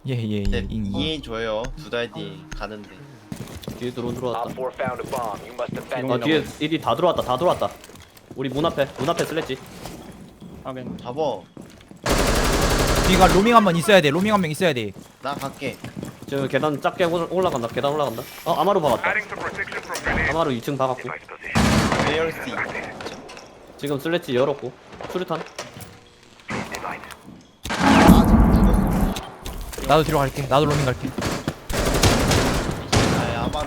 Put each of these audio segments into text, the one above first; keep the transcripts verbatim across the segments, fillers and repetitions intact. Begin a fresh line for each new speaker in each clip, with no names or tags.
예예예.
네,
잉.
이해해줘요. 두 달 뒤에 가는데.
뒤에 드론 들어왔다.
Op four found a bomb. You must defend
아
it.
뒤에 일이 다 들어왔다. 다 들어왔다. 우리 문 앞에 문 앞에 슬랬지.
하긴
잡어.
뒤가 로밍 한 번 있어야 돼. 로밍 한 명 있어야 돼.
나 갈게.
지금 계단 작게 올- 올라간다. 계단 올라간다. 어 아마루 박았다. 아마루 이 층 박았고.
레이얼스.
지금 슬래치 열었고. 수류탄.
아, 죽었어.
나도 뒤로 갈게. 나도 로밍 갈게.
아, 아마루.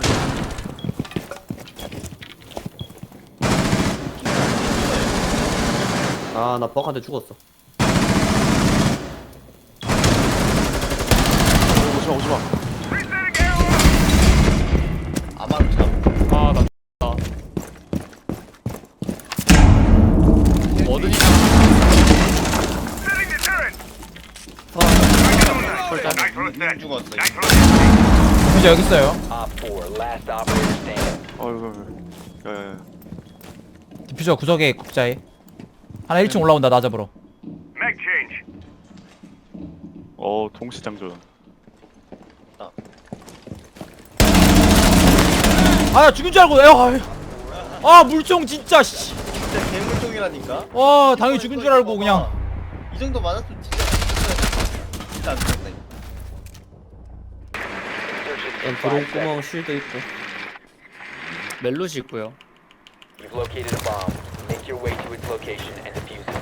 아 나 벅한테 죽었어.
오지마 오지마.
아마루 잡.
아나 나. 뭐든지
님 죽었어.
진짜 여기 있어요.
Op four, last operator standing.
어이구. 야야야.
디퓨저 구석에 국자에. 하나 일 층 올라온다. 나 잡으러.
어 동시장전.
아, 나 죽은 줄 알고. 야, 아, 물총 진짜 씨.
진짜 괴물종이라니까.
와, 당연히 죽은 줄 알고 그냥.
이 정도 맞았으면 진짜 진짜 안 죽었네.
일단 드론 구멍 쉴드 있고.
멜로시 있고요.
You've located a bomb. Make your way to its location and defuse it.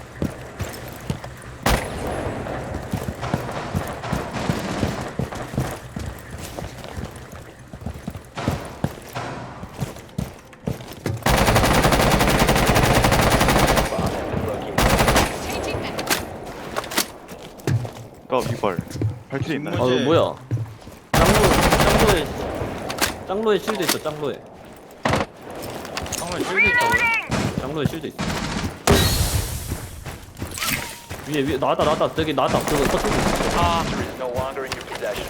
Bomb has been located.
나 이발. 발키리 있나요?
아 이거 뭐야? 짱로 짱로에 짱로에 쉴드 있어. 짱로에.
정말 실드 있다고요?
짱로에 쉴드 있어. 위에 위에 나왔다 나왔다. 저기 나왔다. 저거 서쪽 있어.
아
It is no longer in your possession.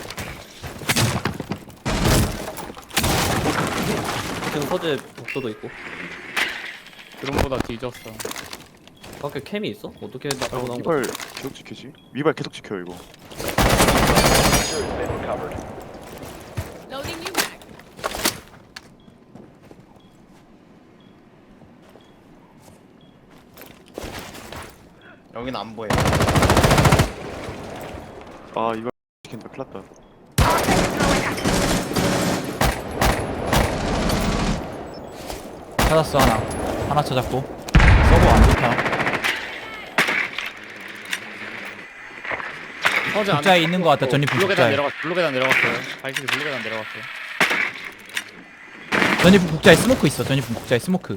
지금 서재 복도도 있고.
드론보다 뒤졌어.
밖에 캠이 있어? 어떻게 나 알고 나온
이발
거야?
계속 지키지? 미발 계속 지켜요 이거.
Sure has been recovered.
Loading new mag.
여긴 안 보여.
아 이발 지킨다. 큰일났다.
찾았어 하나. 하나 찾았고. 서버 안 좋다.
서재 안에
국자에 있는 것 같다. 전입
블루 계단
국자에.
내려갔 블루 계단 내려갔어요. 발키리 블루 계단 내려갔어요.
전입 국자에 스모크 있어. 전입 국자에 스모크.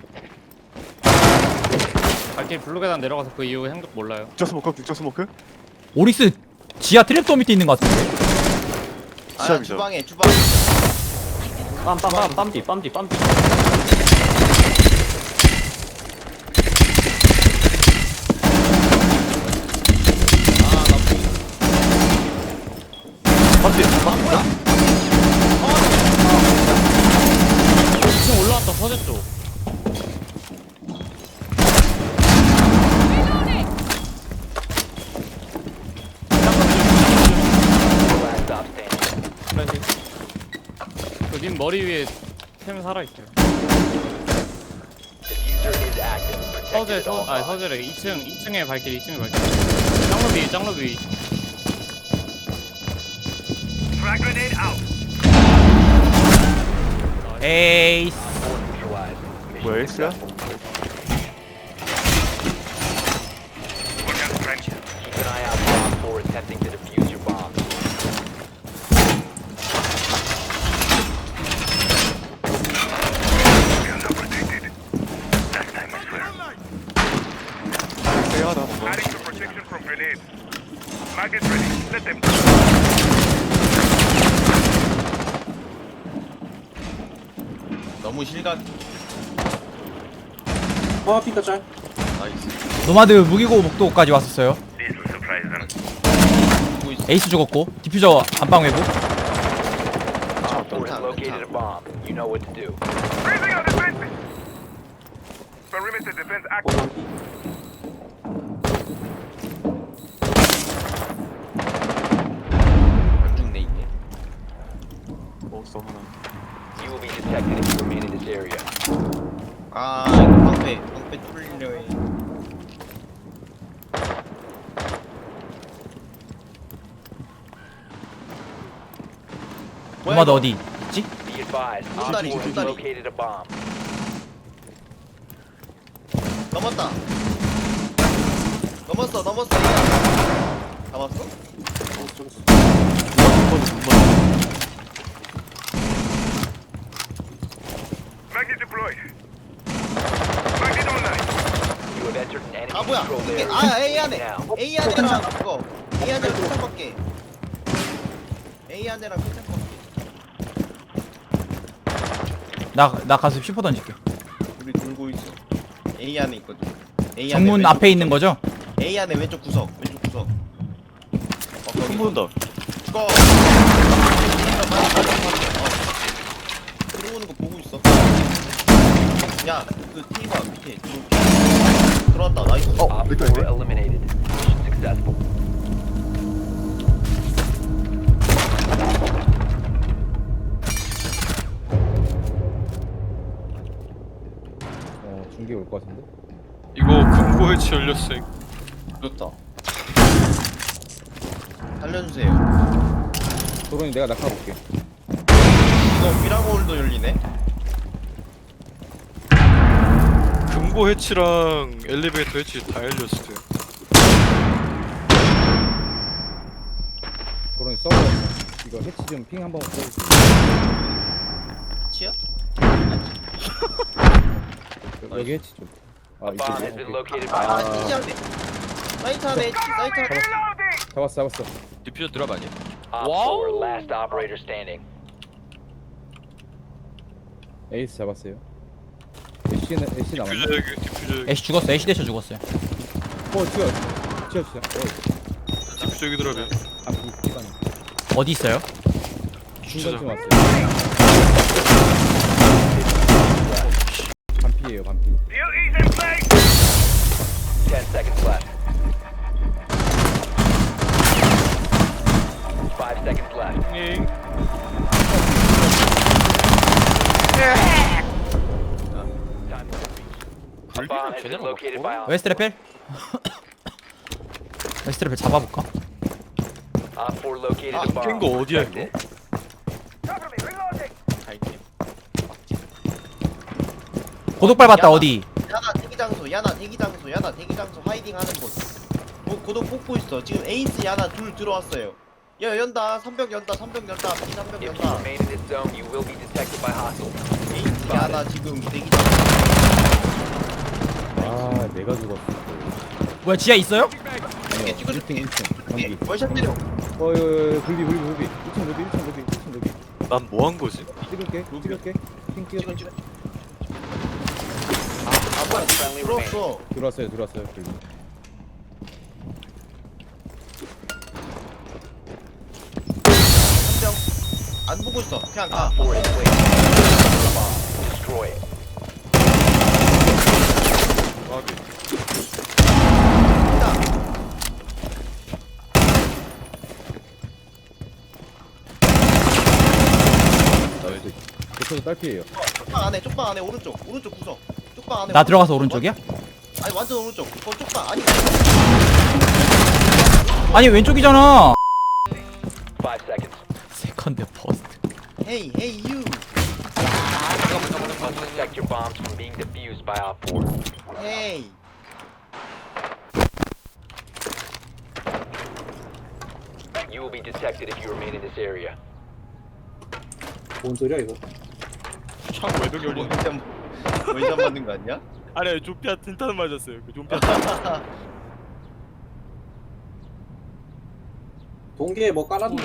발키리 블루 계단 내려가서 그 이후 행동 몰라요.
국자 스모크 국자 스모크?
오릭스 지하 트랩도 밑에 있는 것 같은데.
아,
시작이죠.
주방에 주방에.
빰빰빰 빰뒤 빰뒤 빰뒤.
맞지? 맞다.
이 층 올라왔다 서재 쪽.
Last stop standing.
그님 머리 위에 템 살아 있어요.
Diffuser is active.
서재
Protected at
서
all
아니
costs.
서재래 이 층 이 층에 발키리 이 층에 발키리. 짱로 위 짱로 위.
에이스.
Four neutralized. Mission
뭐야 에이스야?
successful. Keep an eye out for Op four attempting to defuse your bomb.
세하다 뭔가.
너무 실각.
아 피카 짤.
나이스.
노마드 무기고 목도까지 왔었어요.
보고 있어.
에이스 죽었고. 디퓨저 안방 외부.
Op four has located a bomb. You know what to do.
있어 하나.
You will be detected if you remain in this area.
아 이거 방패 방패 뚫리려 해.
엄마 너 어디 있지?
Be advised, Op
손다리,
four has
손다리.
located a bomb.
넘었다. 넘었어 넘었어. 잡았어?
You have entered an enemy
아 뭐야?
controlled
이게
area.
아 A 안에
Now,
A 안에랑 그거 A 안에랑 끝장밖에. A 안에랑 끝장밖에.
나 나 가서 슈퍼 던질게.
우리 돌고 있어. A 안에 있거든. A 안에
정문
왼쪽
앞에 있는 거죠?
A 안에 왼쪽 구석 왼쪽 구석. 어 거기.
총 보는다.
그거. 들어오는 거 보고 있어. 야, 그 테이블 밑에 들어- 들어왔다. 나이스.
어,
Op
내 거야,
four
이제?
eliminated. Mission successful.
어, 중계 올 것 같은데?
이거 금고 해치 열렸어요.
좋다. 살려주세요.
도론이 내가 낙하볼게.
이거 미라골도 열리네.
금고 해치랑 엘리베이터 해치 다 열렸어요.
도론이 서버 이거 해치 좀 핑 한번 써줄게.
치야?
여기 해치 좀. 아,
A bomb has
이쪽이야?
been
오케이.
located by
아,
Op
치지 않네. 사이트 안에, 사이트 안에.
잡았어, 잡았어.
디퓨저 드랍 아니야?
Op four, last operator standing.
에이스 잡았어요. 애쉬는 애쉬 남았네.
디퓨저 여기, 디퓨저 여기,
애쉬 죽었어. 애쉬 대셔 죽었어요.
어, 튀어, 튀어, 튀어. 어,
디퓨저 여기 드랍이야.
아, 이 기반.
어디 있어요?
중간쯤 왔어요. 반피예요, 반피.
Ten seconds left. Five seconds left.
잉.
Time A bomb has been located by Op
웨스트레펠? 웨스트레펠 잡아볼까?
Op four located
아,
a bomb.
깬거 어디야, 이거?
갈게.
고독 밟았다. 어디?
야나 대기 장소, 야나 대기 장소, 야나 대기 장소 하이딩 하는 곳. 고, 고독 뽑고 있어. 지금 에이스 야나 둘 들어왔어요. 야 연다. 삼벽 연다. 삼벽 연다. B 삼벽
If you
연다.
remain in this zone, you will be detected by hostiles.
에이스 야나 지금 대기 장소.
아, 내가 죽었어.
뭐야 지하 있어요?
아니요,
찍어줄게.
일 층, 일 층. 전기.
월샷 때려.
어, 어, 어, 불비, 불비, 불비. 일 층 불비, 일 층 불비, 일 층 불비.
난 뭐 한 거지?
찍을게, 찍을게. 핑 찍어.
찍어 찍어. 아 뭐야?
Friendly remaining.
들어왔어.
들어왔어요, 들어왔어요. 불비.
한명 안 보고 있어. 그냥 가.
Op four has placed a bomb. Destroy it.
아,
나이스. 대표도 딸피예요.
쪽방 안에, 쪽방 안에 오른쪽, 오른쪽 구석. 쪽방 안에.
나
오른쪽.
들어가서 오른쪽이야?
완- 아니 완전 오른쪽. 어 쪽방 아니.
아니 왼쪽이잖아.
Five seconds.
세컨드 퍼스트.
헤이 헤이 유.
Must protect your bombs from being defused by Op four.
헤이.
You will be detected if you remain in this area.
뭔 소리야 이거?
창 외벽 열린.
원점 원점 맞는 거 아니야?
아니, 조피아 틴탄 맞았어요. 그 조피아.
동계에 뭐 깔았네.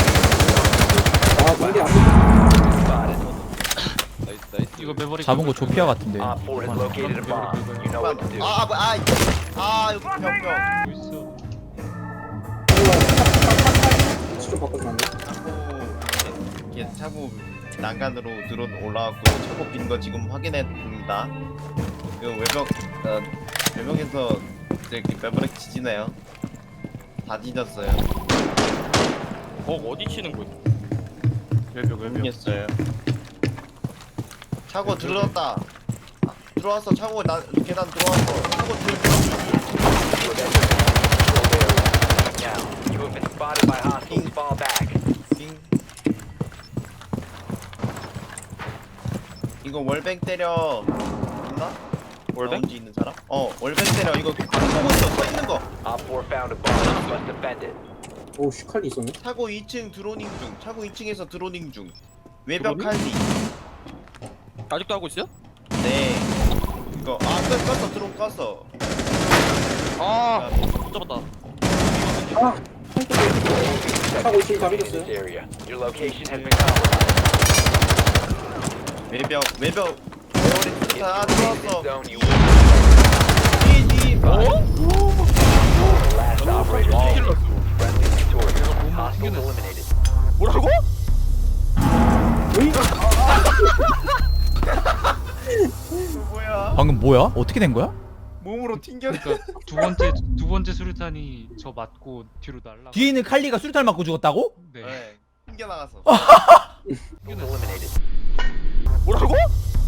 아, 동계 안
Spotted.
나이스, 나이스.
이거 메모리
잡은 거 조피아 같은데.
Op four has located a bomb. You know what to do.
아, 뭐, 아, 이- 아, 여기 벽, 벽.
있어.
위치 좀 바꿔주면 안 돼?
차고, 이게 차고 난간으로 드론 올라왔고 차고 빈 거 지금 확인했습니다. 그 외벽, 어, 외벽에서 이제 매버릭 지지네요. 다 뒤졌어요.
어, 어디 치는 거야? 외벽 외벽.
모르겠어요. 차고 들어왔다. 아, 들어왔어. 차고 나 계단 들어왔어. 차고 들어.
Now, you have been spotted by hostiles. Fall back.
빙. 이거 월백 때려. 있나?
월백?
라운지 있는 사람? 어, 월백 때려. 이거 보고 있어. 서 있는 거.
Op four found a bomb. You must defend it.
오 슈칼리 있었네.
차고 이 층 드로닝 중. 차고 이 층에서 드로닝 중. 외벽
드로닝?
칼리.
아직도 하고 있어요?
네. 이거 아, 껐, 껐어. 드론 껐어.
아, 못 잡았다.
아 하고 지금 다
In
믿었어요.
this area. Your location has been compromised.
외벽 외벽. 외벽에 다
If you remain in this
들어왔어.
zone, you will
뒤에 뒤에.
the last operator standing. Friendly victorious. Hostiles eliminated.
뭐라고?
뭐야?
방금 뭐야? 어떻게 된 거야?
몸으로 튕겨.
그러니까 두 번째 두 번째 수류탄이 저 맞고 뒤로 날라.
뒤에 있는 칼리가 수류탄 맞고 죽었다고?
네.
네. 튕겨 나갔어.
Eliminated.
뭐라고?